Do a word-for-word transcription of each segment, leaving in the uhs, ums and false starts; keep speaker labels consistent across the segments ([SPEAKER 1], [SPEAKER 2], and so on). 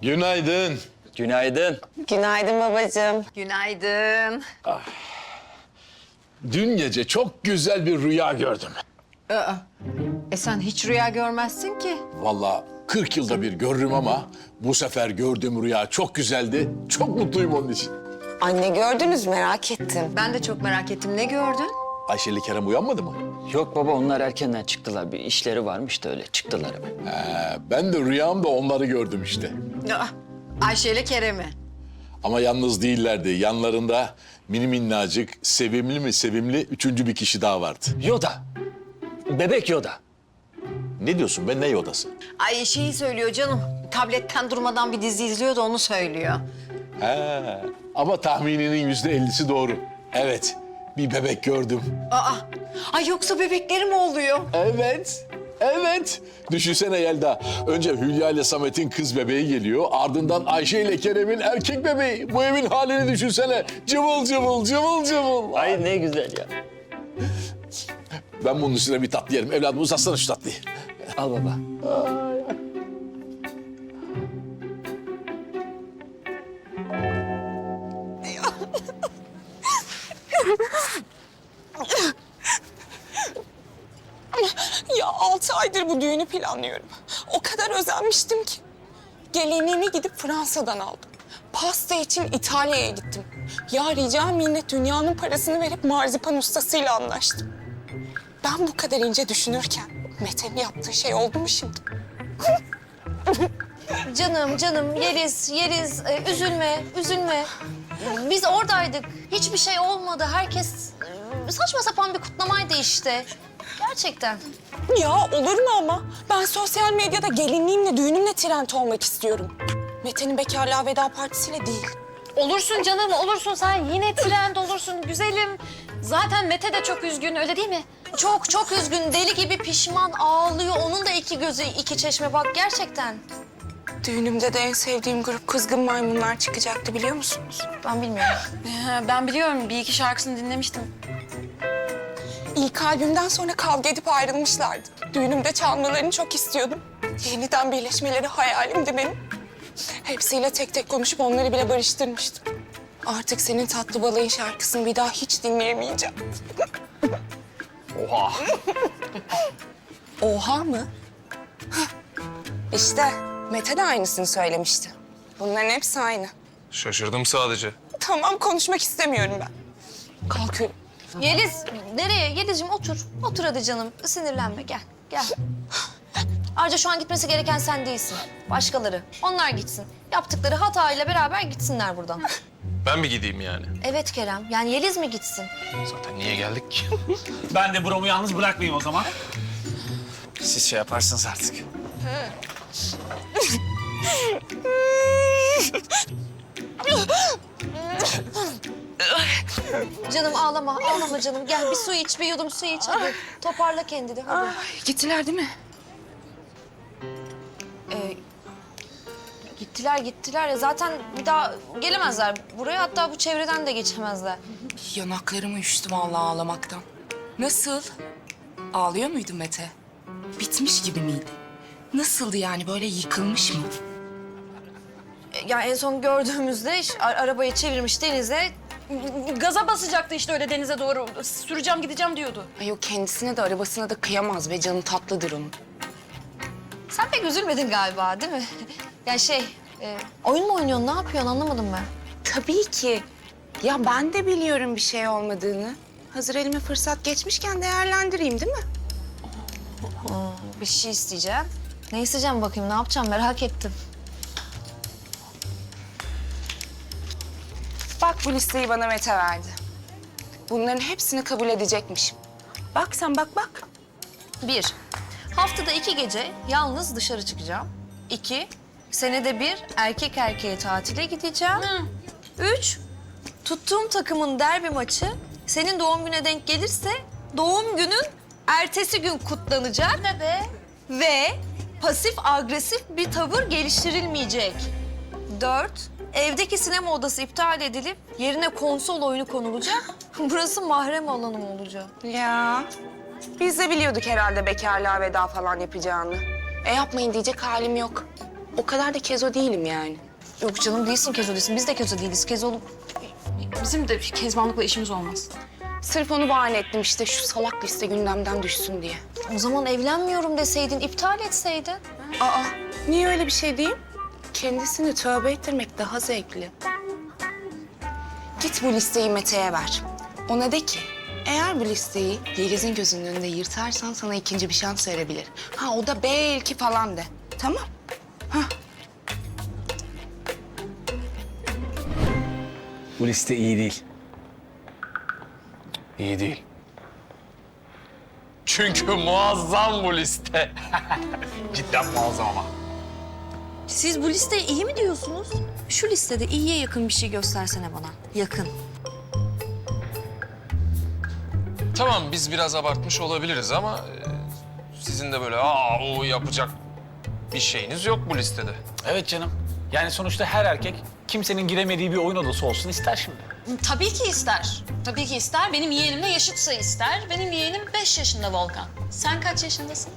[SPEAKER 1] Günaydın.
[SPEAKER 2] Günaydın.
[SPEAKER 3] Günaydın babacığım.
[SPEAKER 4] Günaydın.
[SPEAKER 1] Dün gece çok güzel bir rüya gördüm.
[SPEAKER 4] Aa, e sen hiç rüya görmezsin ki.
[SPEAKER 1] Vallahi kırk yılda bir görürüm ama bu sefer gördüğüm rüya çok güzeldi. Çok mutluyum onun için.
[SPEAKER 3] Anne gördünüz merak ettim.
[SPEAKER 4] Ben de çok merak ettim. Ne gördün?
[SPEAKER 1] Ayşe ile Kerem uyanmadı mı?
[SPEAKER 2] Yok baba, onlar erkenden çıktılar. Bir işleri varmış da öyle çıktılar hemen.
[SPEAKER 1] Ee, ben de rüyamda onları gördüm işte.
[SPEAKER 4] Aa, Ayşe ile Kerem'i.
[SPEAKER 1] Ama yalnız değillerdi. Yanlarında mini minnacık, sevimli mi sevimli üçüncü bir kişi daha vardı.
[SPEAKER 2] Yoda. Bebek Yoda.
[SPEAKER 1] Ne diyorsun be, ne odası?
[SPEAKER 4] Ay şeyi söylüyor canım. Tabletten durmadan bir dizi izliyor da onu söylüyor.
[SPEAKER 1] He, ama tahmininin yüzde ellisi doğru. Evet, bir bebek gördüm.
[SPEAKER 4] Aa, ay yoksa bebekleri mi oluyor?
[SPEAKER 1] Evet, evet. Düşünsene Yelda. Önce Hülya ile Samet'in kız bebeği geliyor. Ardından Ayşe ile Kerem'in erkek bebeği. Bu evin halini düşünsene. Cıvıl cıvıl, cıvıl cıvıl.
[SPEAKER 2] Ay ne güzel ya.
[SPEAKER 1] Ben bunun üstüne bir tatlı yerim. Evladım uzatsana şu tatlıyı.
[SPEAKER 2] Al baba.
[SPEAKER 5] Ya altı aydır bu düğünü planlıyorum. O kadar özenmiştim ki. Gelinliğimi gidip Fransa'dan aldım. Pasta için İtalya'ya gittim. Ya rica minnet dünyanın parasını verip marzipan ustasıyla anlaştım. Ben bu kadar ince düşünürken Mete'nin yaptığı şey oldu mu şimdi?
[SPEAKER 6] Canım, canım, Yeliz, Yeliz, e, üzülme, üzülme. Biz oradaydık, hiçbir şey olmadı. Herkes e, saçma sapan bir kutlamaydı işte. Gerçekten.
[SPEAKER 5] Ya olur mu ama? Ben sosyal medyada gelinliğimle, düğünümle trend olmak istiyorum. Mete'nin bekarlığa veda partisiyle değil.
[SPEAKER 6] Olursun canım, olursun. Sen yine trend olursun, güzelim. Zaten Mete de çok üzgün, öyle değil mi? Çok, çok üzgün, deli gibi pişman, ağlıyor. Onun da iki gözü, iki çeşme bak gerçekten.
[SPEAKER 5] Düğünümde de en sevdiğim grup Kızgın Maymunlar çıkacaktı biliyor musunuz?
[SPEAKER 6] Ben bilmiyorum.
[SPEAKER 4] Ben biliyorum. Bir iki şarkısını dinlemiştim.
[SPEAKER 5] İlk albümden sonra kavga edip ayrılmışlardı. Düğünümde çalmalarını çok istiyordum. Yeniden birleşmeleri hayalimdi benim. Hepsiyle tek tek konuşup onları bile barıştırmıştım. Artık senin tatlı balayın şarkısını bir daha hiç dinleyemeyeceğim.
[SPEAKER 2] Oha.
[SPEAKER 5] Oha mı? İşte Mete de aynısını söylemişti. Bunların hepsi aynı.
[SPEAKER 7] Şaşırdım sadece.
[SPEAKER 5] Tamam konuşmak istemiyorum ben. Kalkıyorum.
[SPEAKER 6] Yeliz, nereye? Yelizciğim otur. Otur hadi canım. Sinirlenme, gel, gel. Ayrıca şu an gitmesi gereken sen değilsin. Başkaları. Onlar gitsin. Yaptıkları hatayla beraber gitsinler buradan.
[SPEAKER 7] Ben mi gideyim yani?
[SPEAKER 6] Evet Kerem, yani Yeliz mi gitsin?
[SPEAKER 7] Zaten niye geldik ki?
[SPEAKER 8] Ben de Brom'u yalnız bırakmayayım o zaman. Siz şey yaparsınız artık.
[SPEAKER 6] Canım ağlama, ağlama canım. Gel bir su iç, bir yudum su iç hadi. Toparla kendini hadi.
[SPEAKER 5] Gittiler değil mi?
[SPEAKER 6] Ee, gittiler, gittiler ya. Zaten bir daha gelemezler buraya. Hatta bu çevreden de geçemezler.
[SPEAKER 5] Yanaklarım uyuştu vallahi ağlamaktan. Nasıl? Ağlıyor muydu Mete? Bitmiş gibi miydi? Nasıldı yani böyle yıkılmış mı?
[SPEAKER 6] Ya en son gördüğümüzde iş, a- arabayı çevirmiş denize. Gaza basacaktı işte öyle denize doğru. Süreceğim gideceğim diyordu.
[SPEAKER 5] Ay o kendisine de arabasına da kıyamaz ve canı tatlıdır onun.
[SPEAKER 6] Sen pek üzülmedin galiba değil mi? Ya şey, e, oyun mu oynuyorsun, ne yapıyorsun anlamadım ben.
[SPEAKER 5] Tabii ki. Ya ben de biliyorum bir şey olmadığını. Hazır elime fırsat geçmişken değerlendireyim değil mi?
[SPEAKER 6] Bir şey isteyeceğim. Ne isteyeceğim bakayım, ne yapacağım merak ettim.
[SPEAKER 5] Bak bu listeyi bana Mete verdi. Bunların hepsini kabul edecekmişim. Bak sen bak bak.
[SPEAKER 6] Bir, haftada iki gece yalnız dışarı çıkacağım. İki, senede bir erkek erkeğe tatile gideceğim. Üç, tuttuğum takımın derbi maçı senin doğum güne denk gelirse doğum günün ertesi gün kutlanacak. Ne be? Ve pasif agresif bir tavır geliştirilmeyecek. Dört, evdeki sinema odası iptal edilip yerine konsol oyunu konulacak. Burası mahrem alanım olacak.
[SPEAKER 5] Ya biz de biliyorduk herhalde bekarlığa veda falan yapacağını. E yapmayın diyecek halim yok. o kadar da kezo değilim yani.
[SPEAKER 6] Yok canım değilsin Kezo değilsin. Biz de Kezo değiliz. Kezo bizim de kezbanlıkla işimiz olmaz.
[SPEAKER 5] Sırf onu bahane ettim işte şu salak liste gündemden düşsün diye.
[SPEAKER 6] O zaman evlenmiyorum deseydin, iptal etseydin.
[SPEAKER 5] Aa, niye öyle bir şey diyeyim? Kendisini tövbe ettirmek daha zevkli. Git bu listeyi Mete'ye ver. Ona de ki, eğer bu listeyi Yeliz'in gözünün önünde yırtarsan sana ikinci bir şans verebilir. Ha o da belki falan de. Tamam.
[SPEAKER 8] Bu liste iyi değil.
[SPEAKER 7] İyi değil. Çünkü muazzam bu liste.
[SPEAKER 8] Cidden muazzam ama.
[SPEAKER 6] Siz bu listeye iyi mi diyorsunuz? Şu listede iyiye yakın bir şey göstersene bana. Yakın.
[SPEAKER 7] Tamam biz biraz abartmış olabiliriz ama e, sizin de böyle aa o yapacak bir şeyiniz yok bu listede.
[SPEAKER 8] Evet canım. Yani sonuçta her erkek kimsenin giremediği bir oyun odası olsun ister şimdi.
[SPEAKER 9] Tabii ki ister. Tabii ki ister. Benim yeğenimle yaşıtsa ister. Benim yeğenim beş yaşında Volkan. Sen kaç yaşındasın?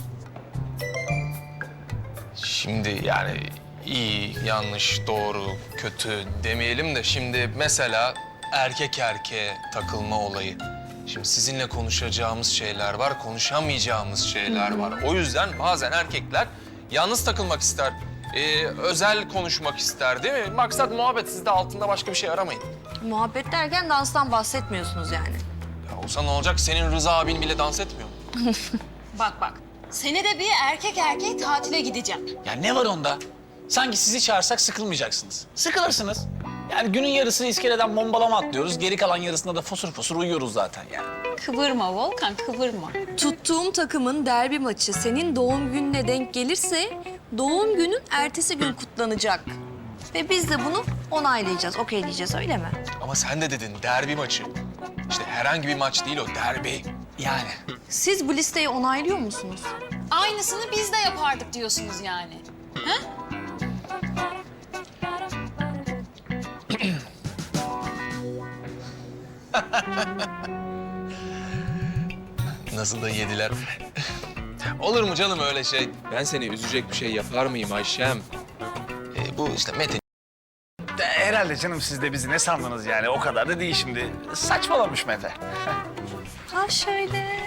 [SPEAKER 7] Şimdi yani iyi, yanlış, doğru, kötü demeyelim de şimdi mesela erkek erkeğe takılma olayı. Şimdi sizinle konuşacağımız şeyler var, konuşamayacağımız şeyler var. O yüzden bazen erkekler yalnız takılmak ister, ee, özel konuşmak ister değil mi? Maksat muhabbet, siz de altında başka bir şey aramayın.
[SPEAKER 6] Muhabbet derken danstan bahsetmiyorsunuz yani.
[SPEAKER 7] Ya olsa ne olacak? Senin Rıza abin bile dans etmiyor mu?
[SPEAKER 9] Bak bak. Senede bir erkek erkeğe tatile gideceğim.
[SPEAKER 8] Ya ne var onda? Sanki sizi çağırsak sıkılmayacaksınız. Sıkılırsınız. Yani günün yarısını iskeleden bombalama atlıyoruz. Geri kalan yarısında da fosur fosur uyuyoruz zaten yani.
[SPEAKER 9] Kıvırma Volkan, kıvırma.
[SPEAKER 6] Tuttuğum takımın derbi maçı senin doğum gününe denk gelirse doğum günün ertesi gün kutlanacak. Ve biz de bunu onaylayacağız, okeyleyeceğiz öyle mi?
[SPEAKER 7] Ama sen de dedin derbi maçı. İşte herhangi bir maç değil o, derbi.
[SPEAKER 8] Yani.
[SPEAKER 6] Siz bu listeyi onaylıyor musunuz?
[SPEAKER 9] Aynısını biz de yapardık diyorsunuz yani.
[SPEAKER 7] Nasıl da yediler. Olur mu canım öyle şey? Ben seni üzecek bir şey yapar mıyım Ayşem? Ee, bu işte Mete.
[SPEAKER 8] De, herhalde canım siz de bizi ne sandınız yani? O kadar da değil şimdi. Saçmalamış Mete.
[SPEAKER 6] Ha şöyle.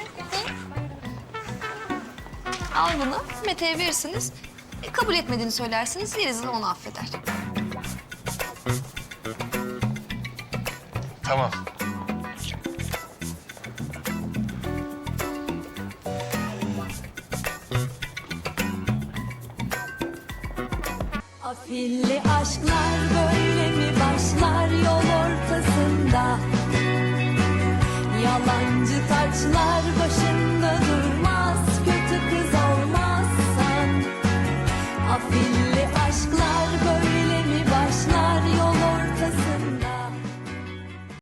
[SPEAKER 6] Al bunu, Mete'ye verirsiniz. E, kabul etmediğini söylersiniz, Yeliz'in onu affeder.
[SPEAKER 7] Tamam.
[SPEAKER 10] Afilli aşklar böyle mi başlar yol ortasında? Yalancı taçlar başında durmaz, kötü kız olmazsan. Afilli aşklar böyle